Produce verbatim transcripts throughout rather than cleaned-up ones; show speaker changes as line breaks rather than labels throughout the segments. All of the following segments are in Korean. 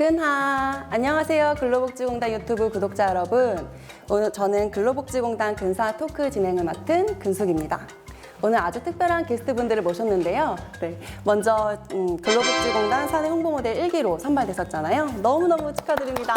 근하. 안녕하세요. 근로복지공단 유튜브 구독자 여러분. 오늘 저는 근로복지공단 근사 토크 진행을 맡은 근숙입니다. 오늘 아주 특별한 게스트분들을 모셨는데요. 네, 먼저 음, 근로복지공단 사내 홍보모델 일 기로 선발되셨잖아요. 너무너무 축하드립니다.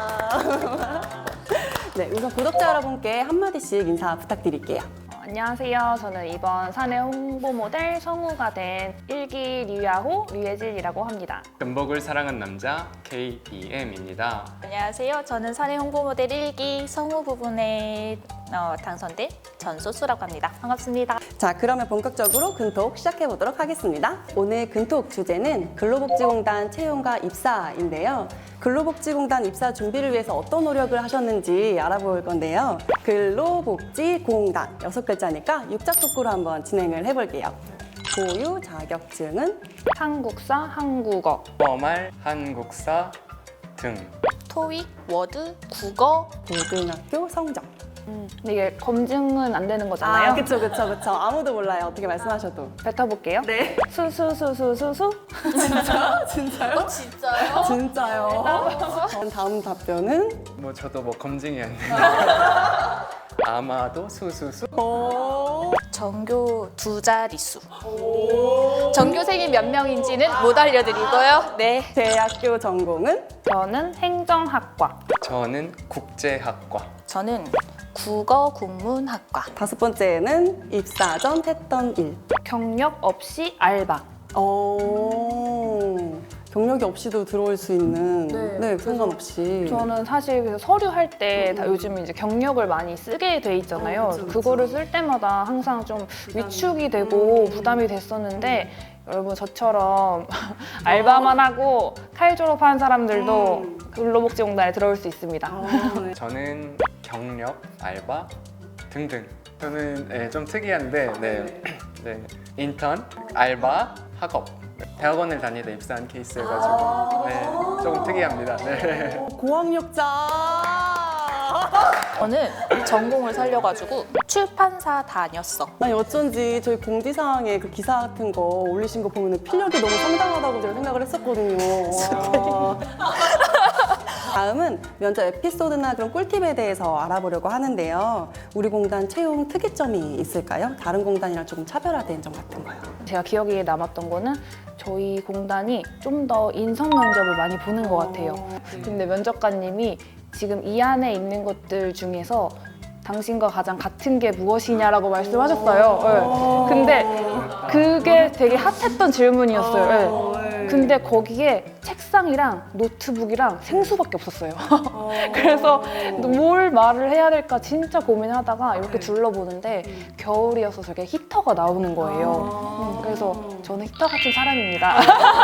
네, 우선 구독자 여러분께 한마디씩 인사 부탁드릴게요.
어, 안녕하세요. 저는 이번 사내 홍보 모델 성우가 된 일 기 류야호 류예진이라고 합니다.
금복을 사랑한 남자 케이디엠입니다.
안녕하세요. 저는 사내 홍보 모델 일 기 성우 부분에 어, 당선된 전소수라고 합니다. 반갑습니다.
자, 그러면 본격적으로 근톡 시작해 보도록 하겠습니다. 오늘 근톡 주제는 근로복지공단 채용과 입사인데요. 근로복지공단 입사 준비를 위해서 어떤 노력을 하셨는지 알아볼 건데요. 근로복지공단 여섯 글자니까 육자 토크로 한번 진행을 해볼게요. 보유 자격증은
한국사, 한국어.
뻔말, 한국사 등.
토익, 워드, 국어.
고등학교 성적.
근데 이게 검증은 안 되는 거잖아요.
아, 그쵸, 그쵸, 그쵸. 아무도 몰라요. 어떻게 말씀하셔도.
뱉어볼게요.
네.
수수수수수수.
진짜요? 진짜요?
진짜요?
진짜요? 전 다음 답변은
뭐 저도 뭐 검증이 안 되는데 아마도 수수수.
오.
전교 두 자릿수. 전교생이 몇 명인지는 못 알려드리고요. 네.
대학교 전공은
저는 행정학과.
저는 국제학과.
저는 국어 국문학과.
다섯 번째는 입사 전 했던 일.
경력 없이 알바.
어, 경력이 없이도 들어올 수 있는
네,
네, 상관없이.
저는 사실 그래서 서류 할 때 다 요즘 이제 경력을 많이 쓰게 돼 있잖아요.
어, 그쵸, 그쵸.
그거를 쓸 때마다 항상 좀 위축이 되고 부담이 됐었는데 여러분 저처럼 알바만 하고 칼 졸업한 사람들도
음.
근로복지공단에 들어올 수 있습니다.
어, 네.
저는 경력, 알바 등등. 저는 네, 좀 특이한데 네. 네. 인턴, 알바, 학업. 대학원을 다니다 입사한 케이스여가지고 네, 조금 특이합니다. 네.
고학력자.
저는 전공을 살려가지고 출판사 다녔어.
아니 어쩐지 저희 공지사항에 그 기사 같은 거 올리신 거 보면 필력이 너무 상당하다고 제가 생각을 했었거든요. 와. 다음은 면접 에피소드나 그런 꿀팁에 대해서 알아보려고 하는데요. 우리 공단 채용 특이점이 있을까요? 다른 공단이랑 조금 차별화된 점 같은 거요.
제가 기억에 남았던 거는 저희 공단이 좀 더 인성 면접을 많이 보는 것 같아요. 근데 면접관님이 지금 이 안에 있는 것들 중에서 당신과 가장 같은 게 무엇이냐라고 말씀하셨어요. 네. 근데 그게 되게 핫했던 질문이었어요. 네. 근데 거기에 책상이랑 노트북이랑 생수밖에 없었어요. 그래서 뭘 말을 해야 될까 진짜 고민하다가 이렇게 둘러보는데 겨울이어서 저게 히터가 나오는 거예요. 음, 그래서 저는 히터 같은 사람입니다.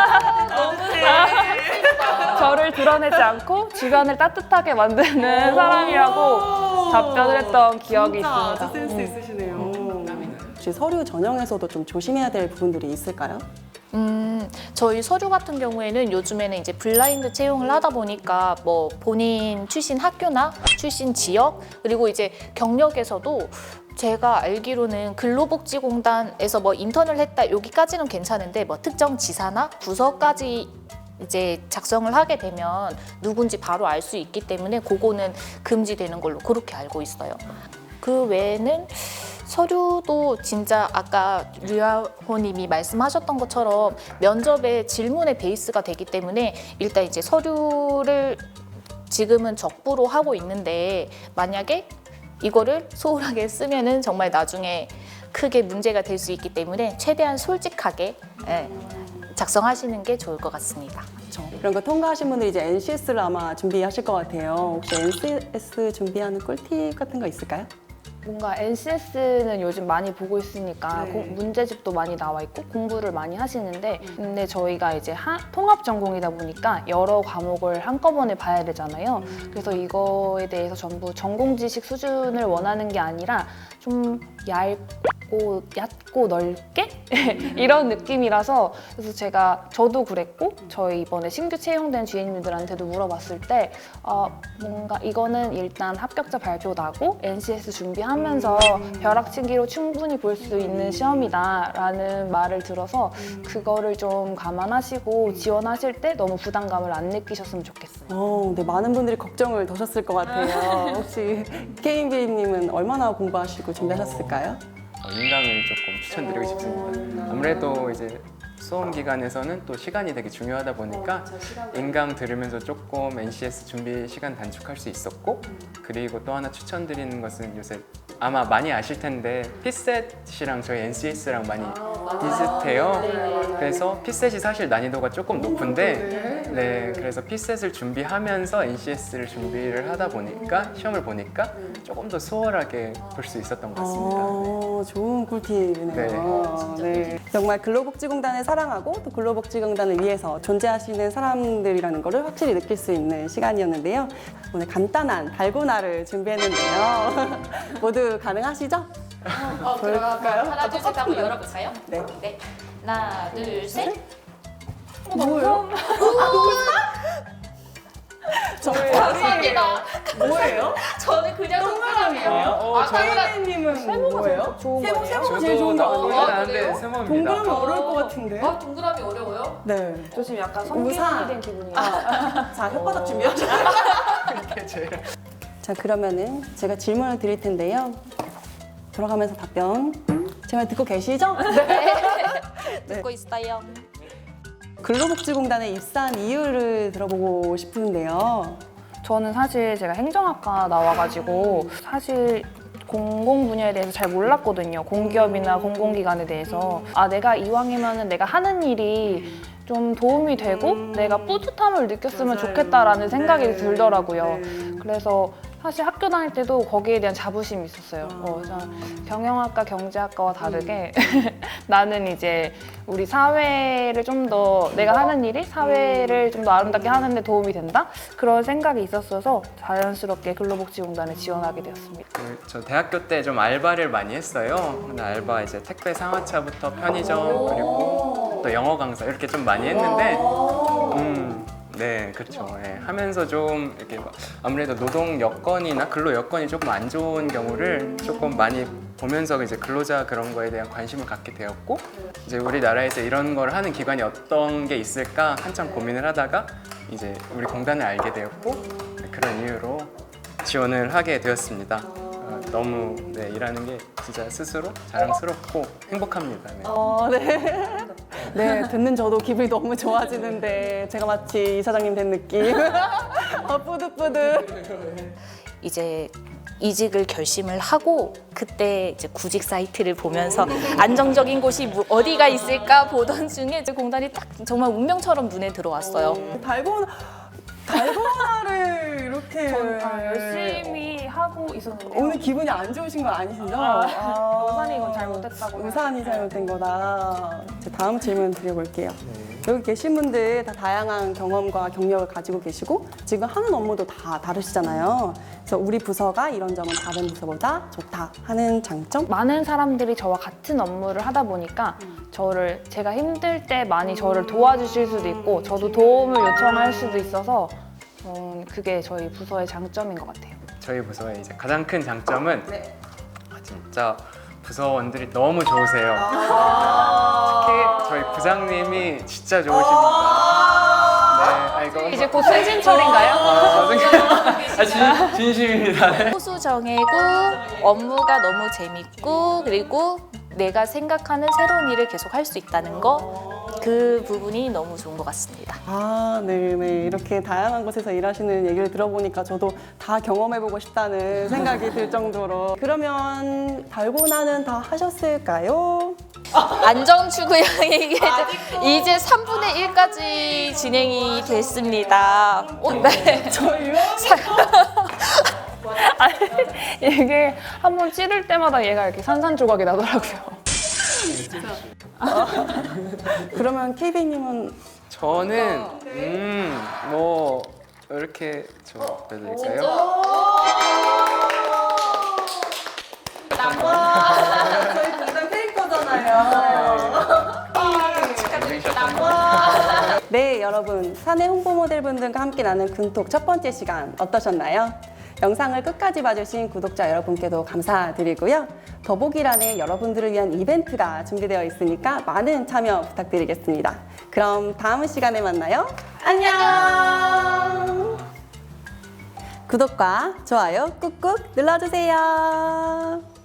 저를 드러내지 않고 주변을 따뜻하게 만드는 사람이라고 답변을 했던 기억이
진짜
있습니다.
아주 센스 있으시네요. 혹시 서류 전형에서도 좀 조심해야 될 부분들이 있을까요?
음, 저희 서류 같은 경우에는 요즘에는 이제 블라인드 채용을 하다 보니까 뭐 본인 출신 학교나 출신 지역 그리고 이제 경력에서도 제가 알기로는 근로복지공단에서 뭐 인턴을 했다 여기까지는 괜찮은데 뭐 특정 지사나 부서까지 이제 작성을 하게 되면 누군지 바로 알 수 있기 때문에 그거는 금지되는 걸로 그렇게 알고 있어요. 그 외에는 서류도 진짜 아까 류야호님이 말씀하셨던 것처럼 면접의 질문의 베이스가 되기 때문에 일단 이제 서류를 지금은 적부로 하고 있는데 만약에 이거를 소홀하게 쓰면은 정말 나중에 크게 문제가 될 수 있기 때문에 최대한 솔직하게 예, 작성하시는 게 좋을 것 같습니다.
그렇죠. 이런 거 통과하신 분들이 이제 엔씨에스를 아마 준비하실 것 같아요. 혹시 엔씨에스 준비하는 꿀팁 같은 거 있을까요?
뭔가 엔씨에스는 요즘 많이 보고 있으니까
네.
공- 문제집도 많이 나와 있고 공부를 많이 하시는데 근데 저희가 이제 하- 통합 전공이다 보니까 여러 과목을 한꺼번에 봐야 되잖아요. 그래서 이거에 대해서 전부 전공 지식 수준을 원하는 게 아니라 좀 얇고 얕고 넓게 이런 느낌이라서 그래서 제가 저도 그랬고 저희 이번에 신규 채용된 주인님들한테도 물어봤을 때 어, 뭔가 이거는 일단 합격자 발표 나고 엔씨에스 준비하면 하면서 벼락치기로 충분히 볼 수 있는 시험이다라는 말을 들어서 그거를 좀 감안하시고 지원하실 때 너무 부담감을 안 느끼셨으면 좋겠어요.
어, 네, 많은 분들이 걱정을 더셨을 것 같아요. 혹시 케이비님은 얼마나 공부하시고 준비하셨을까요?
어, 인강을 조금 추천드리고 싶습니다. 아무래도 이제 수험 기간에서는 또 시간이 되게 중요하다 보니까 인강 들으면서 조금 엔씨에스 준비 시간 단축할 수 있었고, 그리고 또 하나 추천드리는 것은 요새 아마 많이 아실 텐데 피셋이랑 저희 엔씨에스랑 많이 비슷해요. 그래서 피셋이 사실 난이도가 조금 높은데, 네, 그래서 피셋을 준비하면서 엔씨에스를 준비를 하다 보니까 시험을 보니까 조금 더 수월하게 볼 수 있었던 것 같습니다.
어, 좋은 꿀팁이네요. 네. 정말 근로복지공단을 사랑하고 또 근로복지공단을 위해서 존재하시는 사람들이라는 것을 확실히 느낄 수 있는 시간이었는데요. 오늘 간단한 달고나를 준비했는데요. 모두 가능하시죠?
어,
볼까요?
하나, 둘, 셋 하고 열어볼까요?
네.
네. 하나, 둘, 셋.
뭐예요? 저희
감사합니다.
뭐예요?
저는 그냥 동그라미예요.
어,
아,
저희-
케이비님은 뭐예요?
좋은
세모,
거예요?
세모가 제일 좋은 거
저도
아니에요?
나쁘진
아,
않은데
그래요?
세모입니다.
동그라미 어려울 것 같은데?
아, 동그라미 어려워요?
네.
저 지금 약간
우산.
성격이 된 기분이에요.
자, 혓바닥 준비하셨어요?
이렇게 제일
자, 그러면은 제가 질문을 드릴 텐데요. 돌아가면서 답변 제 말 듣고 계시죠?
듣고 있어요.
근로복지공단에 입사한 이유를 들어보고 싶은데요.
저는 사실 제가 행정학과 나와가지고 사실 공공 분야에 대해서 잘 몰랐거든요. 공기업이나 공공기관에 대해서. 아, 내가 이왕이면은 내가 하는 일이 좀 도움이 되고 내가 뿌듯함을 느꼈으면 좋겠다라는 생각이
네.
들더라고요.
네.
그래서 사실 학교 다닐 때도 거기에 대한 자부심이 있었어요. 어, 그래서 경영학과, 경제학과와 다르게 나는 이제 우리 사회를 좀 더 내가 하는 일이 사회를 좀 더 아름답게 하는 데 도움이 된다? 그런 생각이 있었어서 자연스럽게 근로복지공단에 지원하게 되었습니다.
그, 저 대학교 때 좀 알바를 많이 했어요. 근데 알바 이제 택배 상하차부터 편의점 그리고 또 영어 강사 이렇게 좀 많이 했는데, 음, 네, 그렇죠. 예, 하면서 좀 이렇게 막 아무래도 노동 여건이나 근로 여건이 조금 안 좋은 경우를 조금 많이 보면서 이제 근로자 그런 거에 대한 관심을 갖게 되었고, 이제 우리나라에서 이런 걸 하는 기관이 어떤 게 있을까 한참 고민을 하다가 이제 우리 공단을 알게 되었고, 네, 그런 이유로 지원을 하게 되었습니다. 어, 너무 네, 일하는 게 진짜 스스로 자랑스럽고 행복합니다. 네.
어, 네. 네, 듣는 저도 기분이 너무 좋아지는데 제가 마치 이사장님 된 느낌. 어, 뿌듯뿌듯.
이제 이직을 결심을 하고 그때 이제 구직 사이트를 보면서 안정적인 곳이 뭐- 어디가 있을까 보던 중에 이제 공단이 딱 정말 운명처럼 눈에 들어왔어요.
달고나, 달고나를 이렇게
아, 열심히 하고 있었는데
오늘 기분이 안 좋으신 거 아니시죠?
아,
아,
우산이 이건 잘못했다고
우산이 잘못된 거다. 제 다음 질문 드려볼게요. 여기 계신 분들 다 다양한 경험과 경력을 가지고 계시고 지금 하는 업무도 다 다르시잖아요. 그래서 우리 부서가 이런 점은 다른 부서보다 좋다 하는 장점?
많은 사람들이 저와 같은 업무를 하다 보니까 저를 제가 힘들 때 많이 저를 도와주실 수도 있고 저도 도움을 요청할 수도 있어서 음, 그게 저희 부서의 장점인 것 같아요.
저희 부서의 이제 가장 큰 장점은 아, 진짜 부서원들이 너무 좋으세요. 특히 저희 부장님이 진짜 좋으십니다. 네, 아, 이거
이제 곧 승진철인가요?
아, 아, 진, 진심입니다. 네.
소수 정해고 업무가 너무 재밌고 그리고 내가 생각하는 새로운 일을 계속 할 수 있다는 거 그 부분이 너무 좋은 것 같습니다.
아, 네네. 이렇게 다양한 곳에서 일하시는 얘기를 들어보니까 저도 다 경험해보고 싶다는 생각이 들 정도로. 그러면 달고나는 다 하셨을까요?
안정추구형이 이게 이제 삼분의 일까지 진행이 됐습니다. 어, 네.
저희요?
아니, 이게 한번 찌를 때마다 얘가 이렇게 산산조각이 나더라고요.
그러면 케이비님은
저는 음, 뭐 이렇게 좀 보여드릴까요?
저희 공단 페이커잖아요. 네, 여러분. 사내 홍보 모델분들과 함께 나눈 근톡 첫 번째 시간 어떠셨나요? 영상을 끝까지 봐주신 구독자 여러분께도 감사드리고요. 더보기란에 여러분들을 위한 이벤트가 준비되어 있으니까 많은 참여 부탁드리겠습니다. 그럼 다음 시간에 만나요. 안녕! 구독과 좋아요 꾹꾹 눌러주세요.